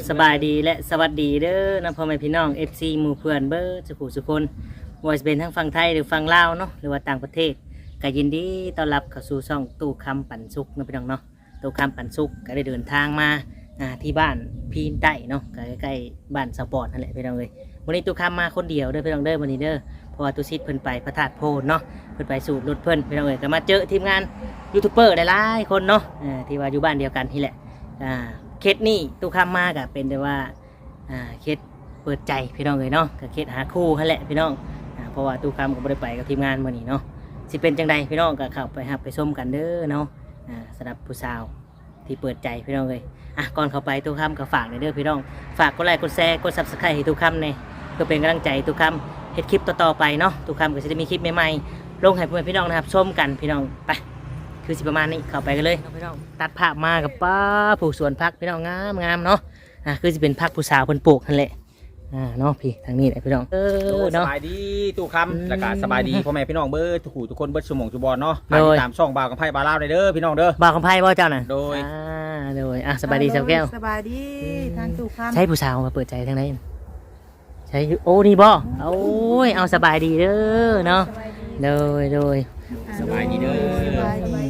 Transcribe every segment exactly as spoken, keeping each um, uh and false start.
สบายดีและสวัสดีเด้อนะพ่อแม่พี่น้อง เอฟ ซี หมู่เพื่อนเบิร์สุขุสุคนว่าจะเป็นทั้งฝั่งไทยหรือฝั่งลาวเนาะหรือว่าต่างประเทศก็ยินดีต้อนรับเข้าสู่ช่องตู้คำปันสุกนะพี่น้องเนาะตู้คำปันสุกก็ได้เดินทางมาที่บ้านพีนใต้เนาะใกล้ๆบ้านสปอร์ตนั่นแหละพี่น้องเลยวันนี้ตู้คำมาคนเดียวเด้อพี่น้องเด้อวันนี้เด้อเพราะว่าตู้ซิดเพิ่นไปพระธาตุโพนเนาะเพิ่นไปสูบรถเพิ่นพี่น้องเลยก็มาเจอทีมงานยูทูบเบอร์หลายๆคนเนาะที่ว่าอยู่บ้านเดียวกันนี่แหละเคสนี่ตู้คำมากอะเป็นแต่ว่าเคสเปิดใจพี่น้องเลยเนาะกับเคสหาคู่นั่นแหละพี่น้องเพราะว่าตู้คำก็ไม่ได้ไปกับทีมงานวันนี้เนาะสิเป็นจังใดพี่น้องก็เข้าไปหับไปส้มกันเด้อเนาะสำหรับผู้สาวที่เปิดใจพี่น้องเลยอ่ะก่อนเข้าไปตู้คำก็ฝากในเด้อพี่น้องฝากกดไลค์กดแชร์กดซับสไครต์ให้ตู้คำเนี่ยเพื่อเป็นกำลังใจตู้คำเฮ็ดคลิปต่อๆไปเนาะตู้คำก็จะมีคลิปใหม่ๆลงให้เพื่อนพี่น้องนะครับชมกันพี่น้องไปคือสิประมาณนี้เข้าไปกันเลยพี่น้องตัดภาพมากับป้าผู้สวนพักพี่น้องงามงามเนาะอ่ะคือจะเป็นพักผู้สาวเพิ่นปลูกนั่นแหละอ่าเนาะพี่ทางนี้แหละพี่น้องเออเนาะสบายดีตู้คำแล้วก็สบายดีพ่อแม่พี่น้องเบิร์ทุกผู้ทุกคนเบิร์ชุมงชุบอลเนาะโดยตามช่องบ่าวกับไพ่บาลาวได้เด้อพี่น้องเด้อบ่าวคำไพ่บ่เจ้าน่ะโดยอ่าโดยอ่ะสบายดีเจ้าแก้วสบายดีทางตู้คำใช้ผู้สาวมาเปิดใจทางไหนใช้โอ้นี่บ่โอ้ยเอาสบายดีเด้อเนาะโดยโดยสบายดีเด้อสบายดี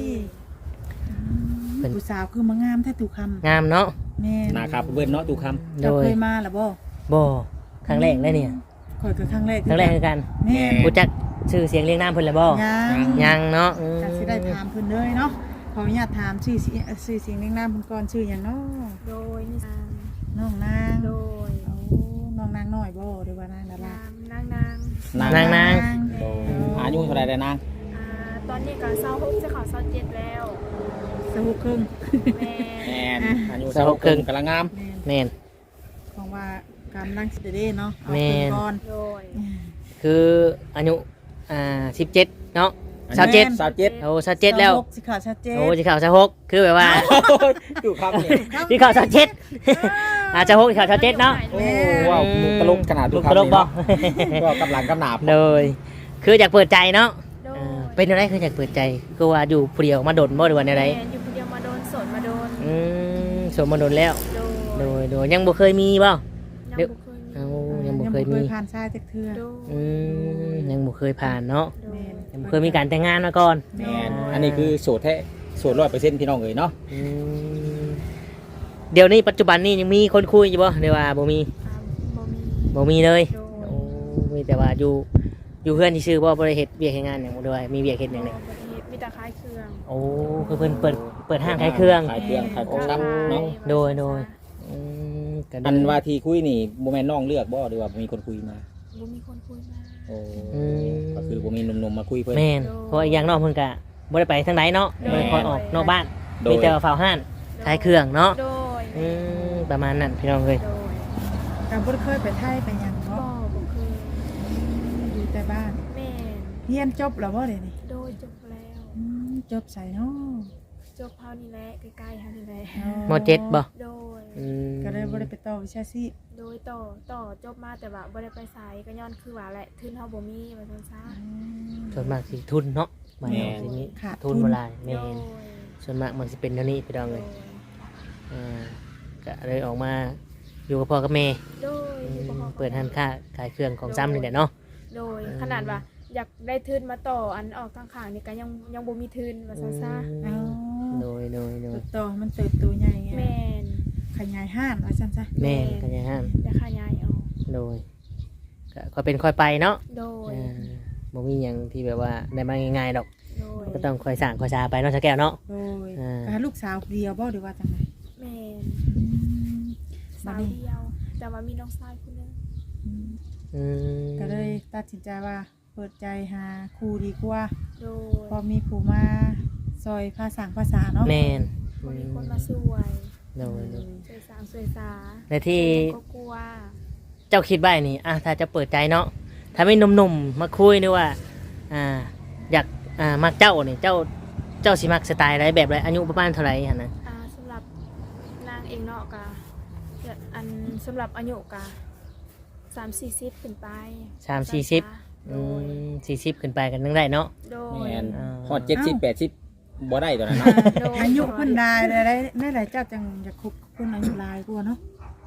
ผู้สาวคือมางามแท้ตู้คำงามเนาะแม่นะครับเบิร์เนาะตู้คโดเรายเคยมาหรือบ่บ่ครั้งแรกเลยเนี่ยข่อยคือครั้งแรกครั้งแรกคือกันแม่รู้จักชื่อเสียงเรียงนามเพิ่นแล้วบ่ยังยังเนาะอืมก็สิได้ถามเพิ่นเลยเนาะขออนุญาตถามชื่อเสียงชื่อเสียงเรียงนามเพิ่นก่อนชื่อหยังเนาะโดยนิสานน้องนางโดยโอ้น้องนางน้อยบ่หรือว่านางดารานางนางนางำนางนางโดยอายุเท่าไรได้นางอ่าตอนนี้ก็เศร้าหกจะขอเศร้าเจ็ดแล้วสหุครึ่งแม่แอนอายุสาวครึ่งกำลังงามแม่นแม่นของว่ากำลังสิได้เนาะเอาแม่เพิ่นนก่อนโดยคืออายุอ่าสิบเจ็ดเนาะสาวเจ็ดสาวเจ็ดโอ้สาวเจ็ดแล้วสหกสิขาดชัดเจนโอ้สิข่าวสาวหกคือแบบว่าตู้คำเนี่ยสิข่าวสาวเจ็ดอาจจะหกสิข่าวสาวเจ็ดเนาะโอ้ว้าวมุกตลกขนาดตู้มุกคำตลกบ่ก็กำลังกำหนาบเลยคืออยากเปิดใจเนาะโดยอ่าเป็นอะไรคืออยากเปิดใจคือว่าอยู่ผู้เดียวมาโดนบ่หรือว่าอะไรแม่อยู่คนเดียวมาโดนสดมาโดนอืมสมมาโดนแล้วโดโดยยโดยยังบ่เคยมีบ่ยังเดี๋ยวบุเคยมีเอาเออยังบ่เคยมีผ่านชายจักเทื่อโดยอืมยังบ่เคยผ่านเนาะโดยยังบ่เคยมีการแต่งงานมาก่อนแอนอันนี้คือโสดแท้โสดร้อยเปอร์เซ็นต์พี่น้องเลยเนาะอืมเดี๋ยวนี้ปัจจุบันนี้ยังมีคนคุยอยู่บ่หรือว่าบ่มีอ่าบ่มีบ่มีเลยโดยโอ้มีแต่ว่าอยู่อยู่เพื่อนที่ชื่อบ่บ่ได้เฮ็ดเวียกเฮ็ดงานหยังบ่ด้วยมีเวียกเฮ็ดหยังบ่เนี่ยได้เฮ็ดมีแต่ขายเครื่องโอ้คือเพิ่นเปิดเปิดห้างขายเครื่องขายเครื่องขายของซ้ำเนาะโดยโดย อืมก็ดีอันว่าที่คุยนี่โมแมนน้องเลือกบ่หรือว่ามีคนคุยมาบ่มีคนคุยมาโอ้ก็คือบ่มีหนุ่มๆมาคุยเพิ่นแม่นเพราะอีกอย่างนอกเพิ่นก็บ่ได้ไปทางไหนเนาะบ่ได้คอยออกนอกบ้านโดยมีแต่ว่าเฝ้าห้านขายเครื่องเนาะโดยอืมประมาณนั้นพี่น้องเอ้ยโดยการบ่ได้เคยไปไทยไปหยังบ่เนาะบ่เคยอยู่แต่บ้านแม่นเรียนจบแล้วบ่เดี๋ยวนี้โดยจบแล้วอืมจบใส่เนาะจบเฮานี่แหละใกล้ๆเฮานี่แหละมเจ็ดบ่โดยอืมก็เลยบ่ได้ไปต่อวิชาชีพโดยต่อต่อจบมาแต่ว่าบ่ได้ไปไสก็ย้อนคือว่าแหละทุนเฮาบ่มีว่าซั่นซะส่วนมากสิทุนเนาะบ้านเราสิมีขาดทุนบ่หลายแม่โดยนส่วนมากมันสิเป็นเท่านี้พี่น้องโดเอ้ย ยอ่าก็เลยออกมาอยู่กับพ่อกับแม่โดยอือยู่มบ่ฮอเปิดห้านค้าขายเครื่องของซ้ำนี่แหละเนาะโดยอืมขนาดว่าอยากได้ทุนมาต่ออันออกข้างๆนี่ก็ยังยังบ่มีทุนว่าซั่นซะเอาโดยโดยโดยต่อมันเติบโตใหญ่ไงแม่นขยายห้านว่าซั่นซะแม่นกันยังห้ามได้ขยายเอาโดยก็ค่อยเป็นค่อยไปเนาะโดยอ่าบ่มีหยังที่แบบว่าได้มาง่ายๆดอกโดยก็ต้องค่อยสร้างค่อยสาไปเนาะชะแก้วเนาะโดยอ่าก็ลูกสาวเดียวบ่หรือว่าจังไดแม่นอืมสาวเดียว แต่ว่ามีน้องชายคนหนึงอืมอืมก็เลยตัดสินใจว่าเปิดใจหาครูดีกว่าโดยพอมีผู้มาซอยภาษาภาษาเนาะแม่นบ่มีคนมาช่วยโดยโดยช่วยสร้างช่วยสาและที่ก็กลัวเจ้าคิดไว้นี่อ่ะถ้าจะเปิดใจเนาะถ้าไม่หนุ่มๆมาคุยนี่ว่าอ่าอยากอ่ามักเจ้านี่เจ้าเจ้าสิมักสไตล์อะไรแบบไรอายุประมาณเท่าไหร่หั่นนะอ่าสำหรับนางเองเนาะกะอันสำหรับอายุกะสามสี่สิบขึ้นไปสามสี่สิบโดอืยมสี่สิบขึ้นไปกันนึงได้เนาะโดยแม่นอ่าฮอดเจ็ดสิบแปดสิบบ่ได้ตัวนั้นอ่าเนาะอายุเพิ่นได้ได้ได้ได้หลายเจ้าจังอยากคบคนอายุหลายกว่าเนาะ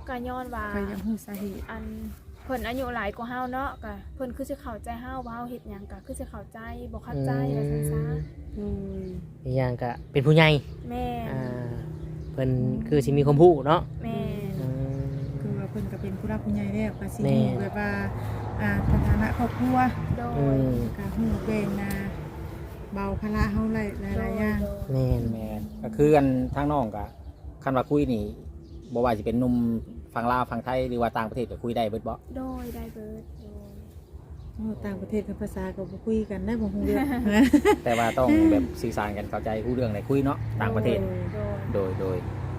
ก็ย้อนว่าก็ยังฮู้สาเหตุอันเพิ่นอายุหลายกว่าเฮาเนาะก็เพิ่นคือสิเข้าใจเฮาว่าเฮาเฮ็ดหยังก็คือสิเข้าใจบ่เข้าใจว่าซั่นซะโอ้ยอีกอย่างก็เป็นผู้ใหญ่แม่นอ่าเพิ่นคือสิมีความรู้เนาะแม่นอืมคือว่าเพิ่นก็เป็นผู้รับผู้ใหญ่แล้วก็สิแม่ฮู้แบบว่าอ่าสถานะครอบครัวโดอืยมก็ฮู้แบ่งนะเบาภาระเฮาหลายหลายๆอย่างแม่นแม่นก็คือกันทางน้องก็คันว่าคุยนี่บ่ว่าสิเป็นหนุ่มฝั่งลาวฝั่งไทยหรือว่าต่างประเทศก็คุยได้เบิดบ่โดยได้เบิดโดยโอ้ต่างประเทศกับภาษาก็บ่คุยกันได้บ่ฮู้เรื่องแต่ว่าต้องแบบสื่อสารกันเข้าใจรู้เรื่องได้คุยเนาะต่างประเทศโดยโดยโดย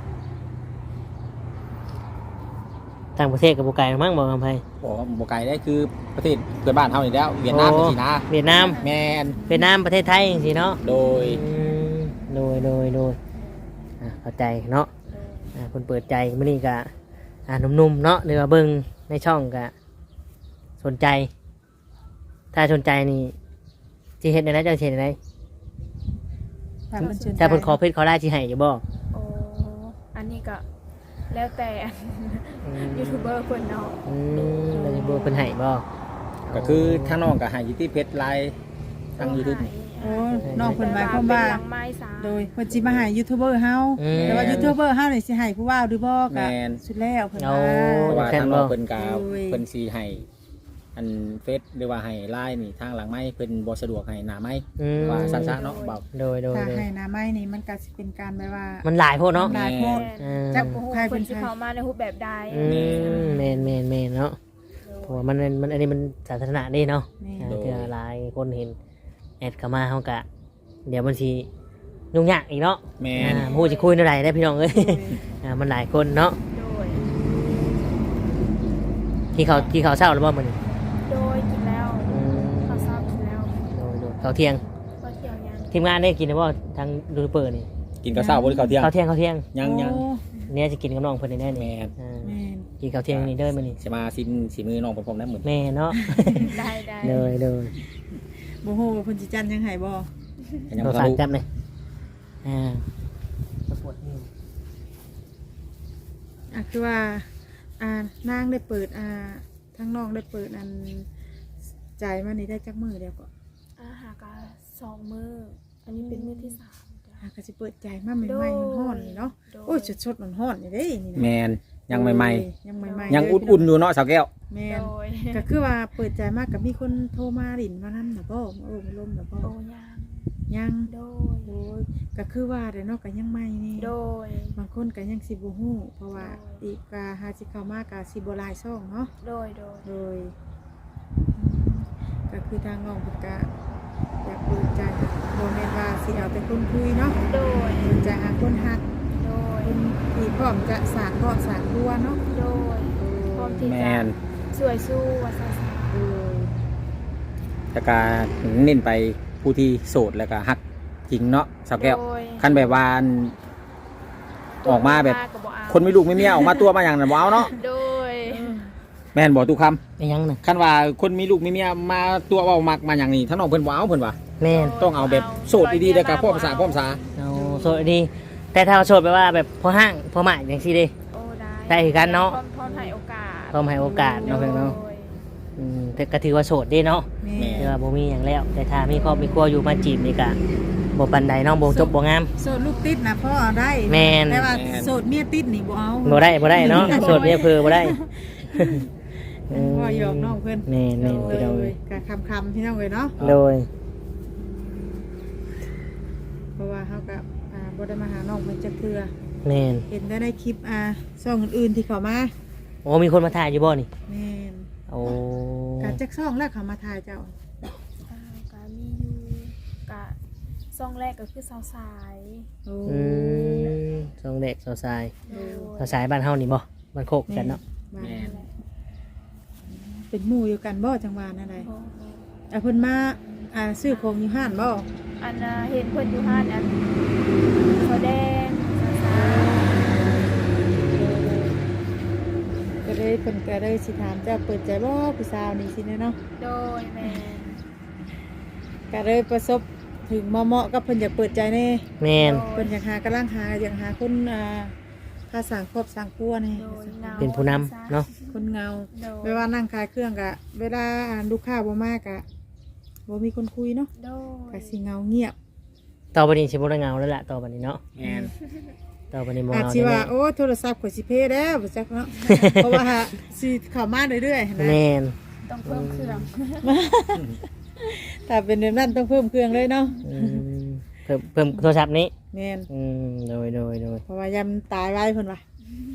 ต่างประเทศกับบ่ไกลมั้งบ่กำไผบ่บ่ไกลได้คือประเทศเพื่อนบ้านเฮานี่แล้วเวียดนามจังซี่นะเวียดนามแม่นเวียดนามประเทศไทยจังซี่เนาะโดยอืมโดยโดยโดยอ่ะเข้าใจเนาะโดยอ่าคนเปิดใจมื้อนี้ก็อ่าหนุ่มๆเนาะหรือว่าเบิ่งในช่องก็สนใจ ถ้าสนใจนี่สิเฮ็ดได้ไดจังสิเฮ็ดได้ไดถ้าเพิ่นสนใจถ้าเพิ่นขอเพชรขอได้สิให้อยู่บ่โอ้อันนี้ก็แล้วแต่อืมยูทูบเบอร์คนเนาะอืมแล้วสิบ่เพิ่นให้บ่ก็คือทางน้องก็ให้อยู่ที่เพจไลน์ทาง YouTube โอ้น้องเพิ่นหมายความว่าเป็นหลังไม้สาโดยเพิ่นสิมาให้ยูทูบเบอร์เฮาอืมแต่ว่ายูทูบเบอร์เฮานี่สิให้ผู้ว่าหรือบ่ก็แม่นสุดแล้วเพิ่นเอาว่าเพราะว่าทางน้องเพิ่นก็โอ้ยเพิ่นสิให้อันเฟซหรือว่าให้ไลน์นี่ทางหลังไม้เพิ่นบ่สะดวกให้หน้าไม้อืมว่าสั้นๆเนาะเบาโดยโดยถ้าโดยให้หน้าไม้นี่มันก็สิเป็นการแบบว่ามันหลายโพดเนาะหลายโพดอืมจัจักกโอ้โหใครคเป็นนใครที่เขามาในรูปแบบใดอืมแม่นแม่นแม่นเนาะเพราะว่ามันมันอันนี้มันสาธารณะนี่เนาะแม่อ่าเพื่อหลายคนเห็นแอดเข้ามาเฮากะ เดี๋ยวมันสิยุ่งยากอีกเนาะแม่นอ่าผู้สิคุยเท่าไหร่ได้พี่น้องเอ้ย อ่ามันหลายคนเนาะโดยที่เขาที่เขาเศร้าแล้วบ่มื้อนี้โดยกินแล้วอืมเขาทราบกินแล้วโดยโดยเขาเที่ยงก็เที่ยวยังทีมงานได้กินแล้วบ่ทางดูเปิดนี่กินข้าวเช้าบ่ได้ข้าวเที่ยงเขาเที่ยงเขาเที่ยงยังยังโอ้เนี่ยจะกินกับน้องเพิ่นได้แน่นี่แม่นอ่าแม่นกินข้าวเที่ยงนี่เด้อมื้อนี้สิมาสินสิมือน้องพร้อมๆนั้นเหมือนแม่เนาะได้ได้โดยโดยบ่ฮู้ว่าเพิ่นสิจันยังให้บ่ยังเราบ่ฝากรู้จับเลยอ่าปวดนิ้วอ่ะคือว่าอ่านางได้เปิดอ่าทั้งน้องได้เปิดอันจ่ายมานี่ได้จักมื้อเดียวก็อาหารกาสองมืออันนี้เป็นมือที่สามจ้ะอ่ะก็สิเปิดจ่ายมาใหม่ๆฮ้อนๆนี่เนาะโดโอ้ยสดๆร้อนๆนี่เด้นี่นะแม่นยังใหม่ยังใหม่ๆๆยังเลอุ่นๆอยู่เนาะสาวแก้วแม่โดนยก็คือว่าเปิดใจมากกับมีคนโทรมาหลินมานั่นนะบ่โอ้มาลมนะบ่โอ้ยังยังโดยโอ้ยก็คือว่าแต่เนาะก็ยังไม่นี่โดยบางคนก็ยังสิบ่ฮู้เพราะว่าอีกกาหาสิเข้ามากาสิบ่หลายซ่องเนาะโดยโดยโดยก็คือทางน้องเพิ่นก็อยากเปิดใจบ่แม่นว่าสิเอาแต่คนคุยเนาะโดยเปิดใจหาคนฮักโดยคนที่พร้อมจะสานพร้อมสานรัวเนาะโดยพร้อมที่แม่จะนสวยสู้วัสสาโดยแต่ก็เน้นไปผู้ที่โสดแล้วก็ฮักจริงเนาะสาวแก้วโดยคันแบบว่าอันออกมาแบบก็เอาคนไม่ลูกไม่เมียออกมาตัวมาอย่างนั้นบ่เอาเนาะโดยแม่นบ่ตุกคไอ้ยังน่ะำคันว่าคนมีลูกมีเมียมาตัวเว้ามักมาอย่างนี้ถ้าน้องเพิ่นบ่เอาเพิ่นว่าแม่นต้องเอาแบบโสดดีๆแล้วก็พ่อภาษาพ่อภาษาเอาโสดดี แต่ถ้าโสดแปลว่าแบบพอห้างพอหมายอย่างซี่เด้โอ้ได้ได้คือกันเนาะพร้อมพร้อมให้โอกาสพร้อมให้โอกาสเนาะเพิ่นเนาะโดยอืมแต่ก็ถือว่าโสดเด้เนาะแม่แม่แต่ว่าบ่มีหยังแล้ว แต่ถ้ามีครอบมีครัวอยู่มาจีบนี่ก็บ่ปานใดเนาะบ่จบบ่งามโสดลูกติดนะพ่อเอาได้แม่นแต่ว่าโสดเมียติดนี่บ่เอาบ่ได้บ่ได้เนาะโสดเนี่ยเพื่อบ่ได้พ่อหยอกน้องเพิ่นแม่นแม่นโดพี่น้องเอ้ยยกะคำๆพี่น้องเลยเนาะโดยเพราะว่าเขากับอ่าบ่ได้มาหาน้องเพิ่นจักเทื่อแม่นเห็นได้ในคลิปอ่าช่องอื่นๆที่เขามาโอ้มีคนมาถ่ายอยู่บ่นี่แม่นโอ้กะจักช่องแล้วเขามาถ่ายเจ้าอ่ากะมีอยู่กะซองแรกก็คือสาวสายโอ้อืมสองเด็กสาวสายโดยสาวสายบ้านเฮานี่บ่บ้านโคกกันเนาะบ้าแม่นเป็นหมู่อยู่กันบ่จังหวะนั่นใดโอ้อ่ะเพิ่นมาอ่าซื้อของอยู่ห้านบ่อันน่ะเห็นเพิ่นอยู่ห้านอันเขาแดงสาวสายก็เลยเพิ่นก็เลยสิถามเจ้าเปิดใจบ่ผู้สาวนี่สิเนาะโดยแม่ก็เลยประสบถึงเหมาะๆกับเพิ่นอยากเปิดใจแน่แม่นเพิ่นอยากหากำลังหาอยากหาคนอ่าทาสั่งครอบสั่งครัวนี่โดยเงาเป็นผู้นำเนาะคนเงาโดยไม่ว่านั่งขายเครื่องกะเวลาอ่านลูกค้าบ่มากกะบ่มีคนคุยเนาะโดยกะสิเงาเงียบต่อไปนี้สิบ่ได้เงาแล้วล่ะต่อไปนี้เนาะแม่นต่อไปนี้บ่อาจเงาสิว่าแน่โอ้โทรศัพท์ข่อยสิเพแล้วบ่จักเนาะ เพราะว่าสิเข้ามาเรื่อยๆๆนะแม่นต้องเพิ่มเครื่องถ้าเป็นแบบนั้นต้องเพิ่มเครื่องเลยเนาะอืมเพิ่มเพิ่มโทรศัพท์นี้แม่นอืมโดยโดยโดยเพราะว่ายามตายไว้เพิ่นว่า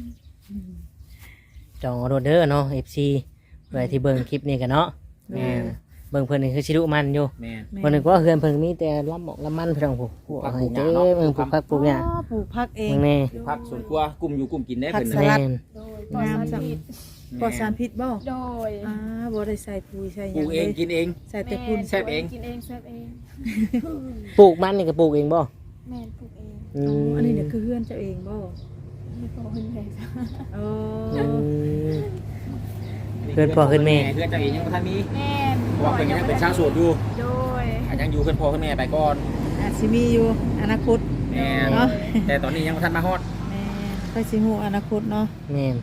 จองออเดอร์เนาะ เอฟ ซี ไว้ที่เบิ่งคลิปนี้กันเนาะแม่นเบิ่งเพิ่นนี่คือสิรุมันอยู่แม่นแม่วันนึงก็เฮือนเพิ่นมีแต่ลำหมอกลำมันเพิ่นผู้ผู้ปลูกผักให้ปลูกหเจ้ญ้าเนาะเบิ่งปลูกผักปลูกหญ้าอ๋อปลูกผักเองเบิ่งแน่พักสวนครัวกลุ่มอยู่กลุ่มกินได้ผักเพิ่นสน่ะลัดแม่นโดยปลอดสารพิษปลอดสารพิษบ่โดยอ่าบ่ได้ใส่ปุ๋ยใส่หปลูยังกเลเองยกินเองใส่แต่ปุ๋ยแซ่บเองกินเองแซ่บเองปลูกมันนี่ก็ปลูกเองบ่แม่นปลูกเองอือ๋อมอันนี้เนี่ยคือเฮือนเจ้าเองบ่มีโปรเพิ่นเลยโอ้อืม เพื่อนพ่อเพื่อนแม่เพื่อนเจ้าเองยังบ่ทันมีแม่นเพราะว่าเพิ่นยังเป็นชาวโสดอยู่โดยอาจยังอยู่เพื่อนพ่อเพื่อนแม่ไปก่อนอาจสิมีอยู่อนาคตแม่นเนาะแต่ตอนนี้ยังบ่ทันมาฮอดแม่ก็สิฮู้อนาคตเนาะแม่น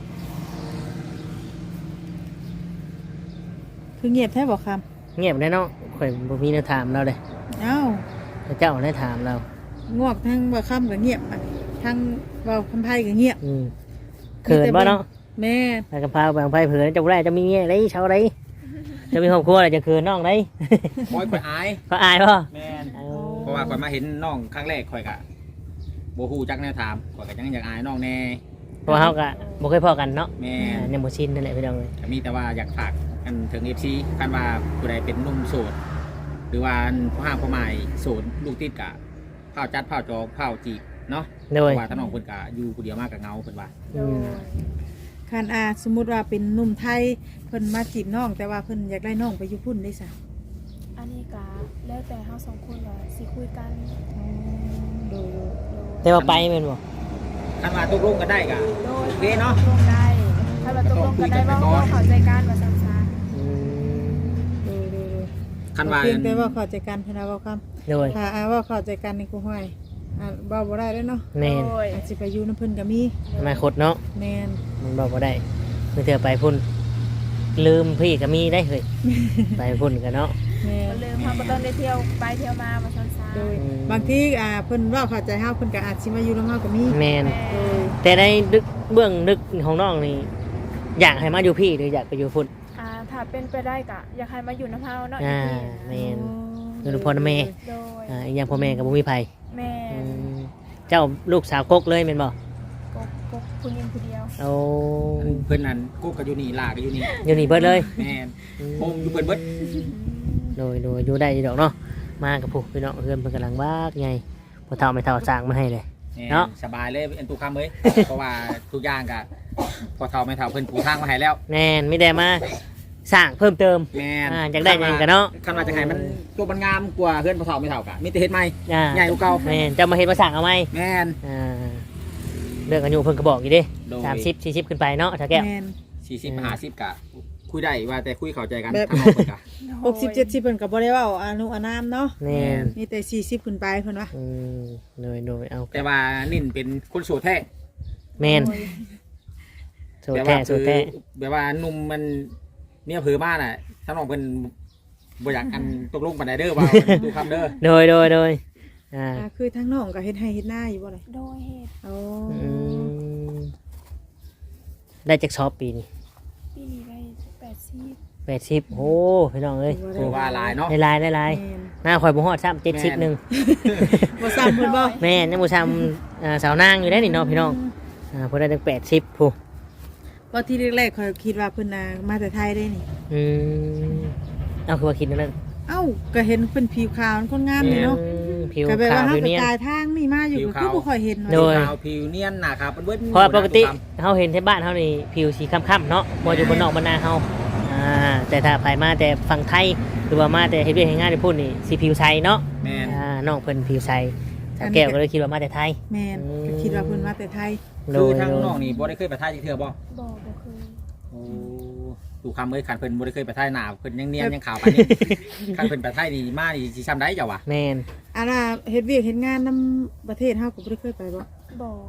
คือเงียบแท้บ่คำเงียบได้เนาะข่อยบ่มีแนวถามเราเลยเอ้าพระเจ้าได้ถามเรางวกทั้งบ่คำก็เงียบอะทั้งเว้าคำไผก็เงียบอืมเขินบ่เนาะแม่ไปกับพาบางไผเผื่อจะบ่ได้จะมีเงี้ยไรเช้าไรจะมีครอบครัวอะไรจะเขินน้องได้คอยข่อยอายก็อายป่ะแม่นเพราะว่าข่อยมาเห็นน้องครั้งแรกข่อยก็บ่ฮู้จักแนวถามข่อยก็ยังอยากอายน้องแน่เพราะว่าเขาก็บ่เคยพอกันเนาะแม่อ่าน ยังบ่ชินนั่นแหละพี่น้องเลยก็มีแต่ว่าอยากฝากกันถึง เอฟ ซี คันว่าผู้ใดเป็นหนุ่มโสด หรือว่าผู้ห้ามผู้หมายโสดลูกติดกะเผาจัดเผาจองเผาจีบเนาะโดเพยราะว่าถ้าน้องเพิ่นกะอยู่ผู้เดียวมากกับเงาเพิ่นว่าโดอืมยคันอาสมมุติว่าเป็นหนุ่มไทยเพิ่นมาจีบน้อง แต่ว่าเพิ่นอยากได้น้องไปอยู่พุ่นได้ซะอันนี้ก็แล้วแต่เฮาสองคนว่าสิคุยกันโดยโดยแต่ว่าไปแม่นบ่คันว่าตกลงกันได้กะโดยโอเคเนาะตกลงได้ถ้าเราตกลงกันได้ว่าเราเข้าใจกันว่าซั่นซะอืมโดยโดยโดยคันว่าเพียงแต่ว่าเข้าใจกันเพิ่นว่าเว้าคำโดยถ้าอาว่าเข้าใจกันนี่กูห้อยอ่าเว้าบ่ได้เด้อเนาะแม่นโดยอาจสิไปอยู่นำเพิ่นก็มีอนาคตเนาะแม่นมันบอกบ่ได้เมื่อเธอไปพุ่นลืมพี่ก็มีได้เฮ้ย ไปพุ่นกันเนาะแม่นมันลืมเฮาก็ต้องได้เที่ยวไปเที่ยวมาว่าซั่นซะโดยอืมบางทีอ่าเพิ่นเว้าเข้าใจเฮาเพิ่นก็อาจสิมาอยู่นำเฮาก็มีแม่นโดยแต่ในดึกเบื้องดึกของน้องนี่อยากให้มาอยู่พี่หรืออยากไปอยู่พุ่นอ่าถ้าเป็นไปได้ก็อยากให้มาอยู่นำเฮาเนาะอ่าอีกทีแม่น อยู่นำพ่อนะแม่โดยอ่าอีกอย่างพ่อแม่กับบุมีภัยแม่อืมเจ้าลูกสาวกกเลยเป็นบ่กกกกผู้หญิงผู้เดียวเอาเพิ่นนั่นกูก็อยู่นี่ลาก็อยู่นี่อยู่นี่เบิดเลยแม่นโฮมอยู่เพิ่นเบิดโดยโดยอยู่ได้อยู่ดอกเนาะมากับผู้พี่น้องเพื่อนเพิ่นกำลังบ้ากไงพอเท่าไม่เท่าสร้างมาให้เลยแม่นเนาะสบายเลยอันตุคำเอ้ย เพราะว่าทุกอย่างก็พอเฒ่าไม่เฒ่าเพิ่นปูทางมาให้แล้วแน่นไม่ได้มาสร้างเพิ่มเติมแม่นอ่าอยากได้หยังกันเนาะคันว่าจะให้มันตัวมันงามกว่าเพื่อนพอเฒ่าไม่เฒ่ากะมีแต่เฮ็ดใหม่อ่าใหญ่กว่าเก่าแม่นจะมาเห็นมาสั่งเอาไหมแม่นอ่าเรื่องอายุเพิ่นก็บอกอยู่ดิโดยสามสิบสี่สิบขึ้นไปเนาะถ้าแก้วแม่นสี่สิบห้าสิบกะคุยได้ว่าแต่คุยเข้าใจกันแบบทางนอกเพิ่นกะหกสิบเจ็ดสิบเพิ่นก็บ่ได้เว้าอานุอานามเนาะแน่นมีแต่สี่สิบขึ้นไปเพิ่นว่าอืมโดยโดยเอาแต่ว่านิ่นเป็นคนโสดแท้แม่นสูตแต่รแท้ว่าสูคืตรอแท้แบบว่าหนุ่มมันเมียเผือมากน่ะถ้าน้องเพิ่นบ่อยากกันตกลงปานใดเด้อว่าดูคำเด้อโดยโดยโดยอ่าอ่าคือทั้งน้องก็เฮ็ดให้เฮ็ดหน้าอยู่บ่ล่ะโดยเหตุโอ้อืมได้จากช็อปปีนี้ปีนี้ได้แปดสิบแปดสิบโอ้พี่น้องเอ้ยถือว่าหลายเนาะได้ลายได้ลายแม่นหน้าข่อยบ่ฮอดซ้ำเจ็ดสิบหนึ่งบ่ซ้ำเพิ่นบ่แม่ยังบ่ซ้ำอ่าสาวนางอยู่ได้นี่เนาะพี่น้องอ่าเพิ่นได้ถึงแปดสิบผู้ก็ที่แรกๆข้อยคิดว่าเพิ่นน่ะมาแต่ไทยได้นี่อืมเอาคือว่าคิดนั่นนั่นเอ้าก็เห็นเพิ่นผิวขาวคนงามนี่เนาะอืมผิวก็แปลขาว่าว เฮาผิวก็เนียนกายทางนี่มาอยู่ก็คือบ่ค่อยเห็นว่าโดยขาวผิวเนียนหนาขาวเป็นเบิ้ลเพราะว่าปกติเฮาเห็นที่บ้านเฮานี่ผิวสีค้ำๆเนาะบ่อยู่บนนอกบนนาเฮาอ่าแต่ถ้าไผมาแต่ฝั่งไทยหรือว่ามาแต่เฮ็ดเวียกเฮ็ดงานที่พุ่นนี่สิผิวใสเนาะแม่นอ่าน้องเพิ่นผิวใสสาวแก้วก็เลยคิดว่ามาแต่ไทยแม่นอืมก็คิดว่าเพิ่นมาแต่ไทยคือทางน้องนี่บ่ได้เคยไปท่ายจักเทื่อบ่บ่บ่เคยโอ้ดูคำเอ้ยขันเพิ่นบ่ได้เคยไปท่ายหนาเพิ่นยังเนียนยังขาวปานนี้ขันเพิ่นไปท่ายนี่มานี่สิซ้ำได้เจ้าวะแม่นอันน่ะเฮ็ดเวียกเฮ็ดงานนํประเทศเฮาก็บ่ได้เคยไปบ่บ่อ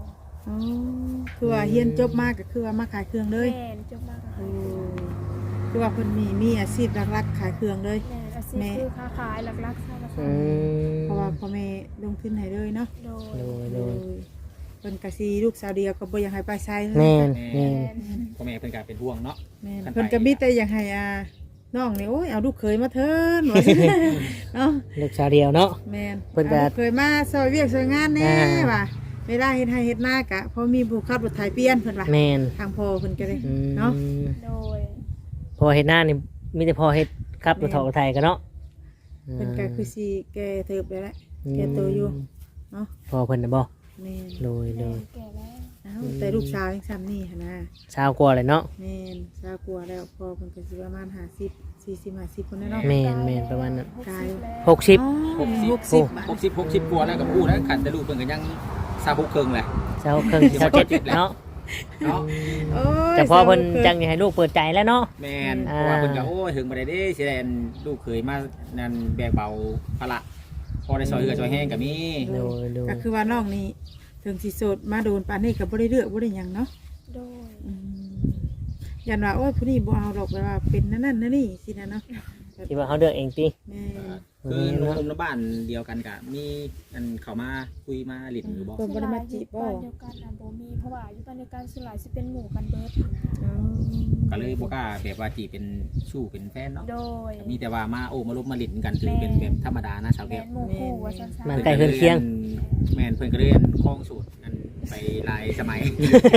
อ๋อคือว่าเรียนจบมาก็คือว่ามาขายเครื่องเลยแม่นจบมากค่ะโอ้คือว่าเพิ่นมีมีอาชีพหลักๆขายเครื่องเลยแม่นอาชีพคือค้าขายหลักๆสร้างมาสร้าอืงมเพราะว่าพ่อแม่ลงทุนให้เลยเนาะโดยโดยโดยเพิ่นก็สิลูกสาวเดียวก็บ่อยากให้ไปไสเลยแม่นแม่แม่นพ่อแม่เพิ่นก็เป็นห่วงเนาะแม่นคันไปเพิ่นก็มีแต่อยากให้อ่าน้องนี่โอ้ยเอาลูกเขยมาเถินว่าซั่นเนาะลูกสาวเดียวเนาะแม่นเพิ่นก็อาลูเคยมาซอยเวียกซอยงานแน่อ่าว่ะเวลาเฮ็ดให้เฮ็ดหน้ากะพอมีผู้ขับรถไถเปลี่ยนเพิ่นว่าแม่นทางพ่อเพิ่นก็เลยอืมเนาะโดยพอเฮ็ดหน้านี่มีแต่พอเฮ็ดครับรถถอกรถไทยกันเนาะเพิ่นก็คือสิแก่เติบได้แล้ว แก่ตัวอยู่ เนาะพอเพิ่นน่ะบ่แม่นโดยโดแม่ยนแก่แล้วเอ้าแต่ลูกสาวยังซ้ำนี่หั่นนะเช้ากว่าเลยเนาะแม่นสาวกลัวแล้วพ่อเพิ่นก็สิประมาณห้าสิบ สี่สิบ ห้าสิบคนแน่เนาะแม่นแม่นประมาณนั้นกายหกสิบอ๋อหกสิบหกสิบหกสิบหกสิบกว่าแล้วก็พูดแล้วขันแต่ลูกเพิ่นก็ยังซาบุกเคิงแหละเช้าครึ่งเช้าเจ็ดเนาะเนาะโอ้ยแต่พอเพิ่นสาวจังอยากให้ลูกเปิดใจแล้วเนาะแม่นเพอ่าราะว่าเพิ่นก็โอ้ยถึงบ่ได้เด้สิได้อันลูกเคยมานั่นแบกเบาภาระพอได้ซอยเหือซอยแห้งก็มีโดยโดยก็คือว่าน้องนี่ถึงสิโสดมาโดนปานนี้ก็บ่ได้เลือกบ่ได้หยังเนาะโดยอืมยันว่าโอ้ยผู้นี้บ่เอาดอกแบบว่าเป็นนั่นนั่นนั่นนี่สินะเนาะคิดว่าเขาเลือกเองติแม่คือหนุ่มๆในบ้านเดียวกันก็มีอันเข้ามาคุยมาหลินอยู่บ่เพิ่นบ่ได้มาจีบบ่บ้านเดียวกันน่ะบ่มีเพราะว่าอยู่บ้านเดียวกันส่วนหลายสิเป็นหมู่กันเบิดอ๋อก็เลยบ่กล้าแบบว่าจีบเป็นชู้เป็นแฟนเนาะโดยมีแต่ว่ามาโอ้มาลบมาหลินกันถือเป็นแบบธรรมดานะสาวแม่แก้วนหมู่คู่ว่าซั่นมันๆใกล้เฮือนเคียงแม่นเพิ่นก็เรียนคล้องสูตรอันไปหลายสมัย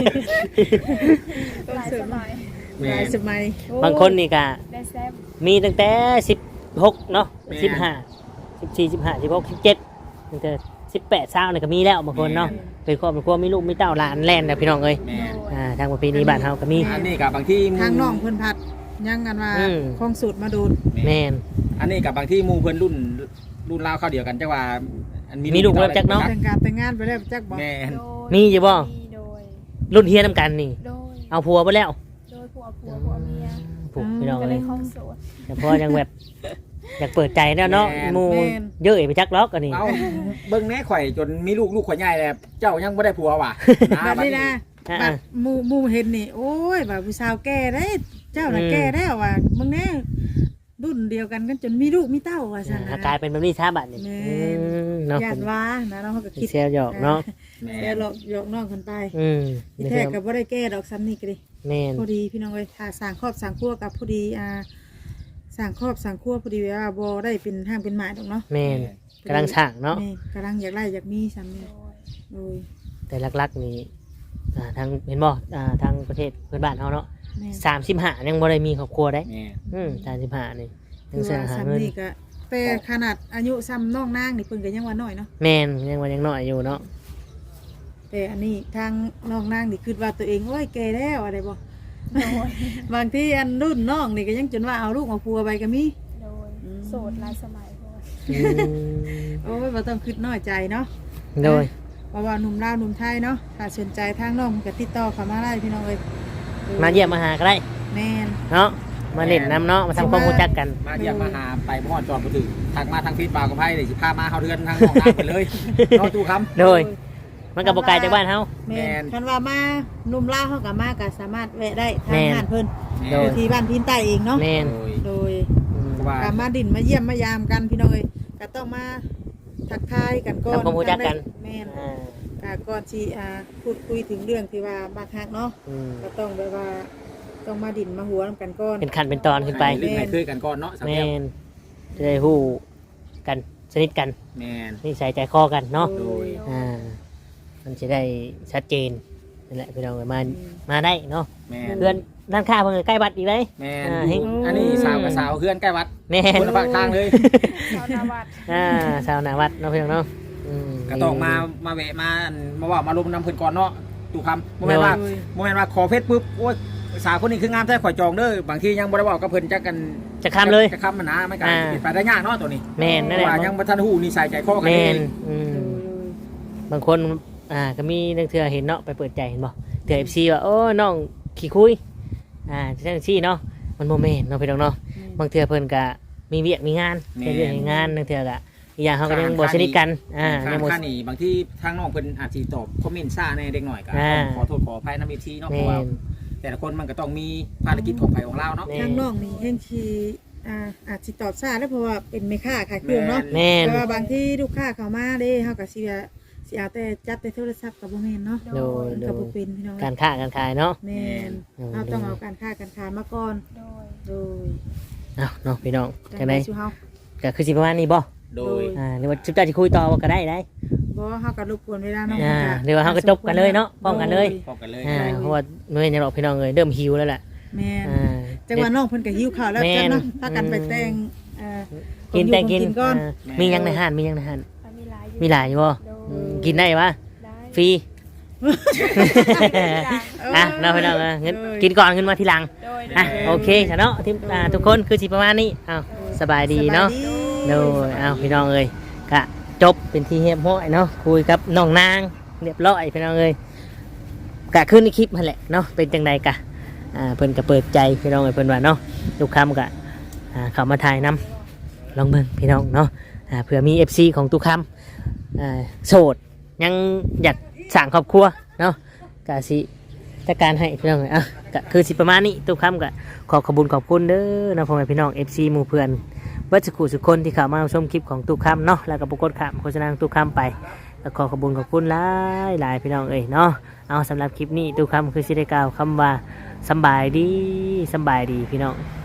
หลายสมัยแม่หลายนสมัยโอ้บางคนนี่ก็ได้แซ่บมีตั้งแต่สิบหกเนาะแม่นสิบห้า สิบสี่ สิบห้า สิบหก สิบเจ็ดตั้งแต่สิบแปด 20นี่ก็มีแล้วบางคนเนาะเป็นครอบเป็นครัวมีลูกมีเต้าหลานแล่นแล้วพี่น้องเอ้ยแม่นอ่าทางประเพณีบ้านเฮาก็มีอันนี้กับบางที่หมู่ทางน้องเพิ่นพัดยังกันว่าอืมคงสูตรมาโดนแม่นอันนี้กับบางที่หมู่เพิ่นรุ่นรุ่นราวเข้าวเดียวกันจังว่าอันมีลูกแล้วจักเนาะแต่งการแต่งงานไปแล้วจักบอกแม่นโดยมีอยู่บ่มีโดยรุ่นเฮียนํกันนี่โดยเอาผัวไปแล้วโดยผัวผัวผัวเมียผูกพี่น้องก็เลเอ้ยยคล้องโสดแต่พอยังแบบอยากเปิดใจแล้วเนาะหมู่เยอะไปจักล็อกอันนี้เอาเบิ่งแน่ข่อยจนมีลูกลูกข่อยใหญ่แล้วเจ้ายังบ่ได้ผัวว่ะบัดนี้นะอ่าบัดหมู่หมู่เห็นนี่โอ้ยว่าผู้สาวแก่ได้เจ้าน่ะอืมแก่แล้วว่ะมึงแน่รุ่นเดียวกันกันจนมีลูกมีเต้าว่าซั่นอ่านะกลายเป็นแบบนี้ช้าบัดนี่แม่อืมเนาะย่านว่านะน้องเขาก็คิดเซลหยอกเนาะแม่แซ่นหลอกหยอกน้องคนไปอืมที่แท้ก็บ่ได้แก้ดอกซ้ำนี่ก็ดิแม่นพอดีพี่น้องเอ้ยถ้าสร้างครอบสร้างครัวกับพอดีอ่าสร้างครอบสร้างครัวพอดีว่าบ่ได้เป็นห้างเป็นหมายดอกเนาะแม่นกำลังสั่งเนาะแม่กำลังอยากได้อยากมีซ้ำนี่โดยโดยแต่หลักๆนี่อ่าทางเห็นบ่อ่าทางประเทศเพื่อนบ้านเฮาเนาะแม่สามสิบห้ายังบ่ได้มีครอบครัวได้แม่นอืมสามสิบห้านี่ยัคืงอเสียว่าหาซ้ำเงินนี่ก็แต่ขนาดอายุซ้ำน้องนางนี่เพิ่นก็ยังว่าน้อยเนาะแม่นยังว่ายังน้อยอยู่เนาะแต่อันนี้ทางน้องนางนี่คิดว่าตัวเองโอ้ยแก่แล้วอะไรบ่โดยบางทีอันรุ่นน้องนี่ก็ยังจนว่าเอาลูกเอาผัวไปก็มีโดยอืมโสดหลายสมัยเพราะว่าอืมโอ้ยบ่ต้องคิดน้อยใจเนาะโดยเพราะว่าหนุ่มลาวหนุ่มไทยเนาะถ้าสนใจทางน้องก็ติดต่อเข้ามาได้พี่น้องเอ้ยมาเยี่ยมมาหาก็ได้แม่นเนาะมาเล่นน้ำเนาะมาทำความรู้จักกันมาเยี่ยมมาหาไปบ่ฮอดจอดบ่ถึงทักมาทางฟีดบาร์กับไผเลยสิพามาเฮาเดือนทางน้องนางไปเลยเนาะตู้คำโดย มันกับโปไกลจากบ้านเฮาแม่แม่นนคันว่ามาหนุ่มลาวเฮาก็มาก็สามารถแวะได้ทาแม่งนงานเพิ่นแม่โดอย ยู่ที่บ้านพินใต้เองเนาะแม่นโดยโดยอืมเพราะว่าก็มาดินมาเยี่ยมมายามกันพี่น้องเอ้ยก็ต้องมาทักทายกันก่อนทำความรู้จักกันแม่นอ่าก็ก่อนที่อ่าพูดคุยถึงเรื่องที่ว่าบักฮักเนาะอืมก็ต้องแบบว่าต้องมาดินมาหัวนำกันก่อนเป็นขั้นเป็นตอนขึ้นไปเล่นให้เคยกันก่อนเนาะสาวแม่แก้วนจะได้ฮู้กันสนิทกันแม่นนิสัยใจคอกันเนาะโดยอ่า มันจะได้ชัดเจนนั่นแหละพี่น้องเอ้ยมามาได้เนาะแม่นเพื่อนด้านข้างเพิ่นก็ใกล้บัดอีกเลยแม่นอ่าอยู่อันนี้สาวกับสาวเพื่อนใกล้วัดแม่นคนละภาคทางเลยชาวนาวัดอ่าชาวนาวัดเนาะพี่น้องเนาะอืมก็ต้องมามาแวะมามาว่ามาลมน้ำเพิ่นก่อนเนาะตู่คำโมเมนต์ว่าโมเมนต์ว่าขอเพชรปุ๊บโอ้ยสาวคนนี้คืองามแท้ข่อยจองเด้อบางทียังบ่ได้บอกกับเพิ่นจักกันจะข้ามเลยจะคำมันนะไม่กันอ่าเป็นไปได้ยากเนาะตัวนี้แม่นนั่นแหละว่ายังบ่ทันฮู้นิสัยใจคอกันแม่เอน งอืมโดยบางคนอ่าก็มีนักเทื่อเห็นเนาะไปเปิดใจเห็นบ่เทื่อ เอฟ ซี ว่าโอ้น้องขี้คุยอ่าจังซี่เนาะมันบ่แม่นเนาะพี่น้องเนาะบางเทื่อเพิ่นก็มีเวียกมีงานเฮ็ดเวียกเฮ็ดงานบางเทื่อก็อีกอย่างเขาก็ยังบ่สนิทกันอ่าค่ายังบ่ค่านี่บางที่ทางน้องเพิ่นอาจสิตอบคอมเมนต์ซ่าในเด็กหน่อยก็อ่าขอโทษขออภัยนำ เอฟ ซี เนาะเพแม่ราะว่าน แต่ละคนมันก็ต้องมีภารกิจของไผของเราเนาะแม่ทางน้องนี่แห่งชีอ่าอาจสิตอบช้าแล้วเพราะว่าเป็นแม่ค้าขายเครื่องเนาะแม่นแต่ว่าบางที่ลูกค้าเข้ามาเด้เฮาก็สิว่าสิเอาแต่จับแต่โทรศัพท์ก็บ่แม่นเนาะโดยโดก็ยบ่เป็นพี่น้องการค้าการขายเนาะแม่นโดยเราต้องเอาการค้าการขายมาก่อนโดยโดยเอ้าเนาะพี่น้องจัจังงได๋ได๋สิเฮาก็คือสิประมาณนี้บ่โดยอ่าหรือว่าจุดจ้าสิคุยต่อก็ได้ได้บ่เฮาก็รบกวนเวลาน้องอ่าพิ่นก็เดี๋ยวเราก็จบกันเลยเนาะพร้อมกันเลยพบกันเลยอ่าเพราะว่าเมื่อยังหรอกพี่น้องเอ้ยเริ่มหิวแล้วแหละแม่นอ่าจังว่าน้องเพิ่นก็หิวข้าวแล้วแม่นจังเนาะพากันไปแต่งเอ่อกินแต่งกินก่อนอ่ามียังในห้านมียังในห้านอ่ะมีหลายอยู่มีหลายอยู่บ่โดอืยมกินได้ปะได้ฟรีอ่ะเนาะพี่น้องเอ้ยงั้นกินก่อนขึ้นมาทีหลังโดยอ่ะโอเคจ้ะเนาะที่อ่าทุกคนคือสิประมาณนี้อ้าวสบายดีเนาะสบยโดยอ้าวพี่น้องเอ้ยกะจบเป็นที่เรียบร้อยเนาะคุยกับน้องนางเรียบร้อยพี่น้องเอ้ยกะขึ้นในคลิปมาแหละเนาะเป็นจังใดกะอ่าเพิ่นก็เปิดใจพี่น้องเอ้ยเพิ่นว่าเนาะทุกคำกะอ่าเข้ามาถ่ายนำลองเบิ่งพี่น้องเนาะอ่าเผื่อมี เอฟ ซี ของทุกคำอ่าโสดยังอยากสร้างครอบครัวเนาะกะสิจัดการให้พี่น้องเอ้ยอ่ะกะคือสิประมาณนี้ทุกคำกะขอขอบคุญขอบคุณเด้อนะพ่อแม่พี่น้อง เอฟ ซี หมู่เพื่อน วัชกุสุคนที่เข้ามาชมคลิปของตุกคำเนาะแล้วก็ปรากฏข่าวโฆษณาของตุกคำไปแล้วขอขอบคุณขอบคุณหลายหลายพี่น้องเอ้ยเนาะเอาสำหรับคลิปนี้ตุกคำคือสิได้กล่าวคำว่าสำบายดีสำบายดีพี่น้อง